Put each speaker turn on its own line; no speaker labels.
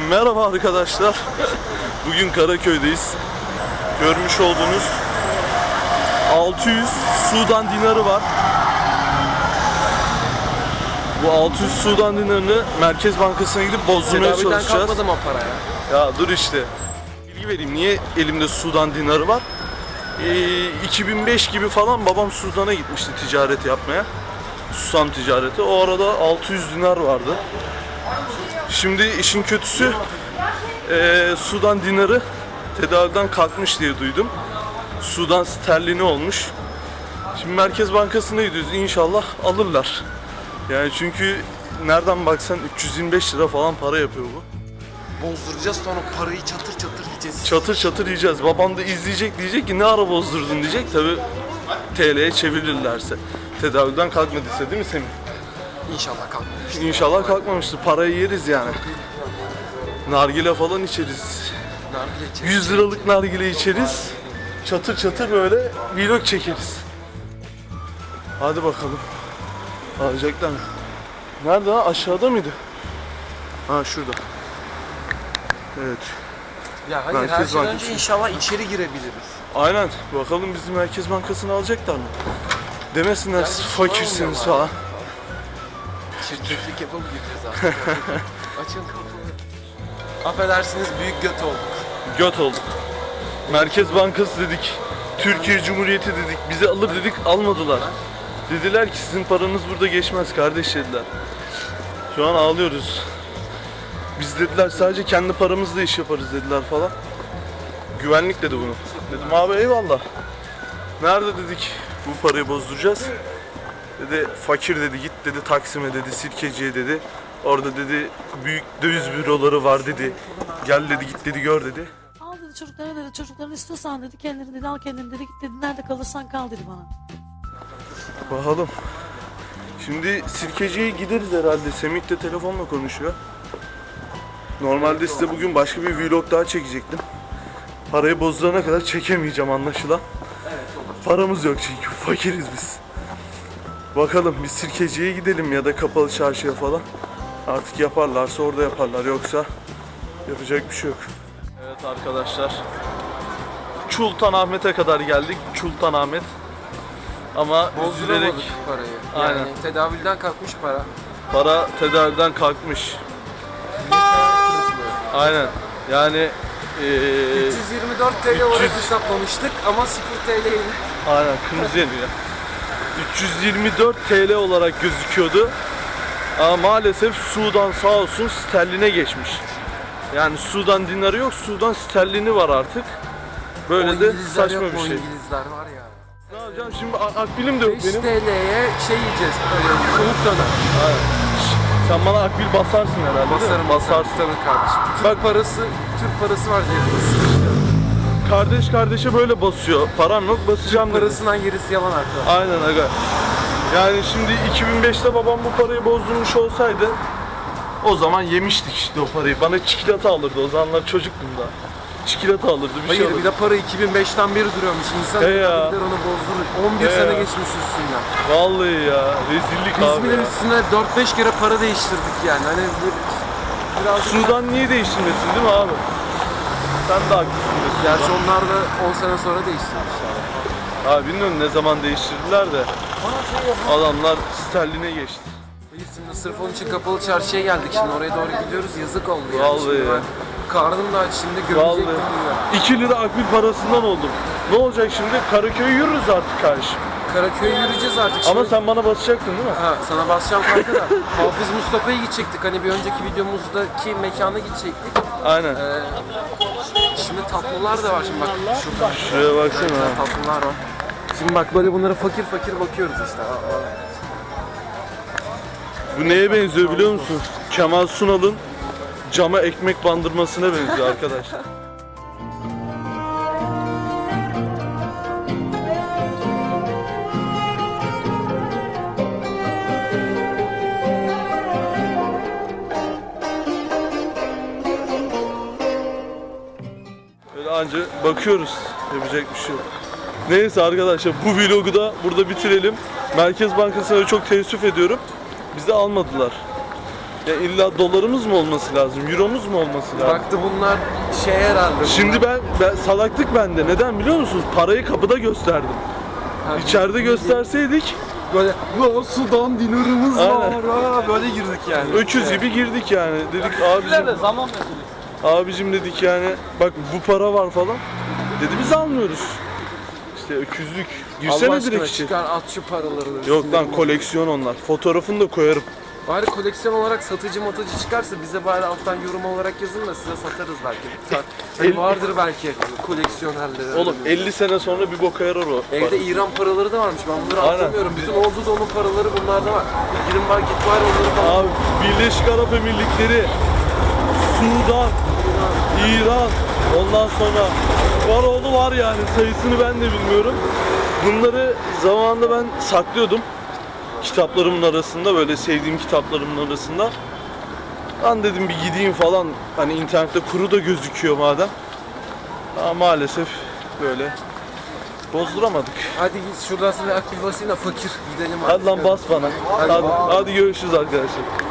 Merhaba arkadaşlar. Bugün Karaköy'deyiz. Görmüş olduğunuz 600 Sudan dinarı var. Bu 600 Sudan dinarını Merkez Bankası'na gidip bozdurmaya çalışacağız.
Kalkmadım o paraya.
Ya dur işte. Bilgi vereyim. Niye elimde Sudan dinarı var? 2005 gibi falan babam Sudan'a gitmişti ticaret yapmaya. Susam ticareti. O arada 600 dinar vardı. Şimdi işin kötüsü Sudan dinarı tedavülden kalkmış diye duydum. Sudan sterlini olmuş. Şimdi Merkez Bankası'na gidiyoruz. İnşallah alırlar. Yani çünkü nereden baksan 325 lira falan para yapıyor bu.
Bozduracağız sonra parayı çatır çatır yiyeceğiz.
Çatır çatır yiyeceğiz. Babam da izleyecek, diyecek ki ne ara bozdurdun diyecek. Tabi TL'ye çevirirlerse. Tedavülden kalkmadıysa değil mi Semih?
İnşallah kalkmamıştır.
İnşallah kalkmamıştır. Parayı yeriz yani. Nargile falan içeriz.
Nargile içeriz.
100 liralık nargile içeriz. Çatır çatır böyle vlog çekeriz. Hadi bakalım. Alacaklar mı? Nerede lan? Aşağıda mıydı? Ha şurada. Evet.
Ya hayır,
Merkez
her şeyden
Bankası.
önce inşallah içeri girebiliriz.
Aynen. Bakalım bizi Merkez Bankası'na alacaklar mı? Demesinler siz fakirsiniz falan.
Çirkeflik yapıp gireceğiz artık. Açın kapıyı. Affedersiniz, büyük göt olduk.
Göt olduk. Merkez Bankası dedik. Türkiye Cumhuriyeti dedik. Bizi alır dedik, almadılar. Dediler ki sizin paranız burada geçmez kardeş dediler. Şu an ağlıyoruz. Biz dediler sadece kendi paramızla iş yaparız dediler falan. Güvenlik dedi bunu. Dedim abi eyvallah. Nerede dedik bu parayı bozduracağız. Dedi fakir dedi, git dedi Taksim'e dedi, Sirkeci'ye dedi. Orada dedi büyük döviz büroları var dedi. Gel dedi, git dedi, gör dedi.
Al dedi çocuklara dedi, çocukların istiyorsan dedi, kendini dedi, al kendini dedi, git dedi, nerede kalırsan kal dedi bana.
Bakalım. Şimdi Sirkeci'ye gideriz herhalde. Semih de telefonla konuşuyor. Normalde size bugün başka bir vlog daha çekecektim. Parayı bozdurana kadar çekemeyeceğim anlaşılan. Paramız yok çünkü fakiriz biz. Bakalım biz Sirkeci'ye gidelim ya da Kapalı Çarşı'ya falan. Artık yaparlarsa orada yaparlar, yoksa yapacak bir şey yok. Evet arkadaşlar. Sultanahmet'e kadar geldik. Sultanahmet. Ama üzülerek
Bozduramadık parayı. Yani
Aynen.
tedavülden kalkmış para.
para tedavülden kalkmış. Aynen. Yani
324 TL olarak
300
hesaplamıştık ama 0 TL ile.
aynen kırmızı yanıyor. 324 TL olarak gözüküyordu. Ama maalesef Sudan sağ olsun sterline geçmiş. Yani Sudan dinarı yok, Sudan sterlini var artık. Böyle de saçma bir şey.
İngilizler var ya.
Ne yapacağım şimdi, akbilim de yok
5
benim.
TL'ye şey yiyeceğiz, böyle tavuk döner.
Aynen. Sen bana akbil basarsın herhalde değil mi?
Basarım,
Basarsın.
tabii kardeşim.
Bak
Türk parası var cebimizde.
kardeş kardeşe böyle basıyor. Param yok, basacağım dedi.
Parasından gerisi yalan arkadaşlar.
Aynen aga. Yani şimdi 2005'te babam bu parayı bozdurmuş olsaydı o zaman yemiştik işte o parayı. Bana çikolata alırdı, o zamanlar çocuktum da. Çikolata alırdı, bir şey
Hayır,
alırdı.
bir de para 2005'ten beri duruyormuş. İnsan
He
gider
ya.
onu bozdurur. 11
He
sene
ya.
geçmiş üstünden.
Vallahi ya, rezillik
Biz
abi
bile
ya.
üstüne 4-5 kere para değiştirdik yani. Hani biraz
Sudan niye değiştirmesin değil mi abi? Sen de haklısın be Sudan.
Gerçi onlar da 10 sene sonra değiştirmişler.
Abi bilmiyorum ne zaman değiştirdiler de adamlar sterline geçti.
Biz şimdi sırf onun için Kapalı Çarşı'ya geldik. Şimdi oraya doğru gidiyoruz. Yazık oldu yani.
Vallahi
Şimdi
ya.
ben karnım da aç, şimdi gömecek gibi.
Vallahi 2 lira akbil parasından oldum. Ne olacak şimdi? Karaköy'e yürürüz artık kardeşim.
Karaköy'e yürüyeceğiz artık. Şimdi...
Ama sen bana basacaktın değil mi?
Ha, sana basacağım kanka da. Hafız Mustafa'ya gidecektik. Hani bir önceki videomuzdaki mekana gidecektik.
Aynen.
Şimdi tatlılar da var. Şimdi bak şurada.
Şuraya baksana ha.
Tatlılar var. Şimdi bak böyle bunlara fakir fakir bakıyoruz işte.
Bu neye benziyor biliyor musunuz? Kemal Sunal'ın cama ekmek bandırmasına benziyor arkadaşlar. Böyle anca bakıyoruz. Yapacak bir şey yok. Neyse arkadaşlar, bu vlogu da burada bitirelim. Merkez Bankası'na çok teessüf ediyorum. Bizi almadılar. Ya illa dolarımız mı olması lazım? Euromuz mu olması lazım?
Baktı bunlar şey herhalde.
Şimdi ben salaklık bende. Neden biliyor musunuz? Parayı kapıda gösterdim.
bunlar.
İçeride gösterseydik
böyle "Ulan Sudan dinarımız
Aynen.
var ha", böyle girdik yani.
öküz gibi girdik yani. Dedik abicim,
Zaman meselesi.
abicim dedik yani bak bu para var falan. Dedi biz almıyoruz. İşte öküzlük.
Allah
Girsene
aşkına
direkt içeri.
çıkar at şu paraları.
Yok lan koleksiyon onlar. Fotoğrafını da koyarım.
Bari koleksiyon olarak satıcı matıcı çıkarsa bize bari alttan yorum olarak yazın da size satarız belki. Hani vardır belki koleksiyonerleri.
Oğlum 50 sene sonra bir boka yarar o.
Evde İran paraları da varmış. Ben bunları
Aynen.
anlamıyorum. Bütün Ordu'nun paraları bunlarda var. Girin var git var onları falan.
Abi Birleşik Arap Emirlikleri, Sudan, İran, ondan sonra var oğlu var yani sayısını ben de bilmiyorum. Bunları zamanında ben saklıyordum. Kitaplarımın arasında, böyle sevdiğim kitaplarımın arasında. Ben dedim bir gideyim falan, hani internette kuru da gözüküyor madem. Ama maalesef böyle bozduramadık.
Hadi git şuradan sana akbil basayım da fakir gidelim.
Hadi lan
artık.
bas bana. Hadi görüşürüz arkadaşlar.